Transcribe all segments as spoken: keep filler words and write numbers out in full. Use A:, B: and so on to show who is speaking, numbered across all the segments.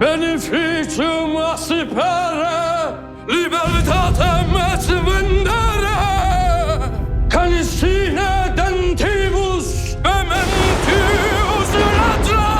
A: Beneficium aspera, libertatem et vendere, canis sine dentibus mementius ladra.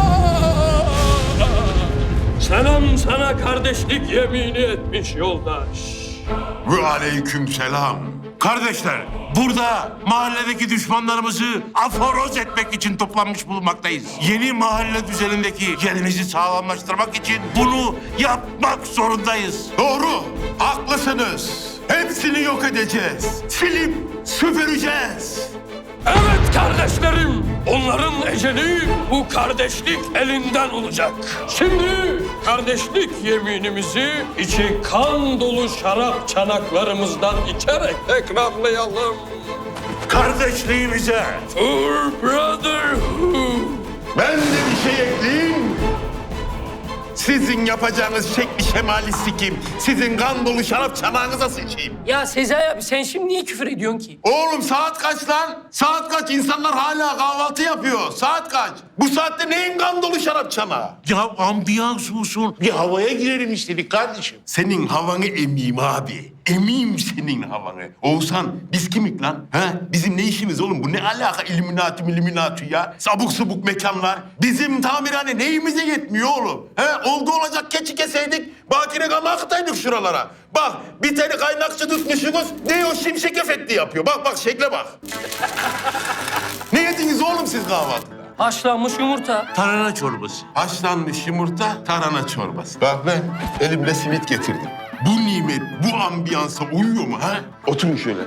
A: Selam sana kardeşlik yemini etmiş yoldaş.
B: Ve aleyküm selam. Kardeşler, burada mahalledeki düşmanlarımızı aforoz etmek için toplanmış bulunmaktayız. Yeni mahalle düzenindeki yerimizi sağlamlaştırmak için bunu yapmak zorundayız. Doğru, haklısınız. Hepsini yok edeceğiz. Silip süpüreceğiz.
A: Evet kardeşlerim, onların eceli bu kardeşlik elinden olacak. Şimdi kardeşlik yeminimizi içi kan dolu şarap çanaklarımızdan içerek tekrarlayalım.
B: Kardeşliğimize.
A: For brotherhood.
B: Ben de bir şey ekleyeyim. Sizin yapacağınız şekli şemali sikim. Sizin kan dolu şarap çanağınıza sıçayım.
C: Ya Sezai abi sen şimdi niye küfür ediyorsun ki?
B: Oğlum saat kaç lan? Saat kaç? İnsanlar hala kahvaltı yapıyor. Saat kaç? Bu saatte neyin kan dolu şarap çanağı? Ya ambiyans olsun. Bir havaya girelim istedik kardeşim. Senin havanı emeyim abi. Emeyim senin havanı. Oğuzhan biz kimik lan? Ha? Bizim ne işimiz oğlum? Bu ne alaka illuminati illuminati ya? Sabuk subuk mekanlar. Bizim tamirhane neyimize yetmiyor oğlum? He? Oldu olacak keçi keseydik. Bakire gama akıtaydık şuralara. Bak bir tane kaynakçı tutmuşsunuz. Ne o şimşek efekti yapıyor. Bak bak şekle bak. Ne yediniz oğlum siz kahvaltıda?
C: Haşlanmış yumurta.
B: Tarhana çorbası. Haşlanmış yumurta, tarhana çorbası. Bak ben elimle simit getirdim. Bu nimet, bu ambiyansa uyuyor mu ha? Oturun şöyle.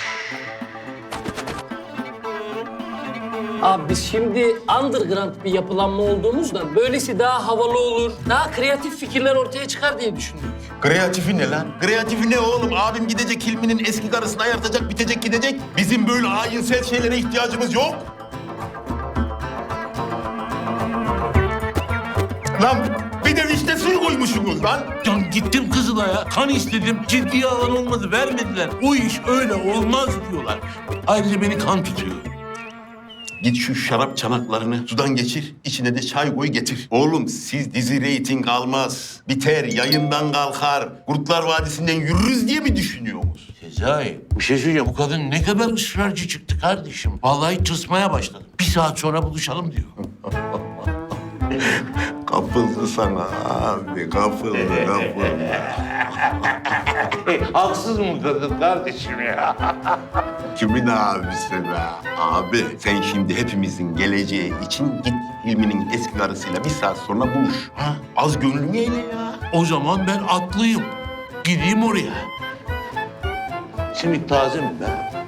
C: Abi biz şimdi underground bir yapılanma olduğumuzdan böylesi daha havalı olur, daha kreatif fikirler ortaya çıkar diye düşündük.
B: Kreatifi ne lan? Kreatifi ne oğlum? Abim gidecek Hilmi'nin eski karısını ayartacak, bitecek gidecek. Bizim böyle ayinsel şeylere ihtiyacımız yok. Lan bir de vişne suyu koymuşsunuz lan.
D: Ya gittim Kızılay'a, kan istedim. Ciddiye alan olmadı, vermediler. O iş öyle olmaz diyorlar. Ayrıca beni kan tutuyor.
B: Git şu şarap çanaklarını sudan geçir, içine de çay koy getir. Oğlum siz dizi reyting almaz, biter, yayından kalkar, Kurtlar Vadisi'nden yürürüz diye mi düşünüyorsunuz?
D: Sezai, bir şey söyleyeceğim. Bu kadın ne kadar ısrarcı çıktı kardeşim. Vallahi tısmaya başladım. Bir saat sonra buluşalım diyor.
B: Kapıldı sana abi, kapıldı, kapıldı.
D: Haksız mı kadın kardeşim ya?
B: Kimin abisi be? Abi sen şimdi hepimizin geleceği için git Hilmi'nin eski karısıyla bir saat sonra buluş. Ha? Az gönlünü eyle ya.
D: O zaman ben atlıyım. Gideyim oraya. Simit taze mi be?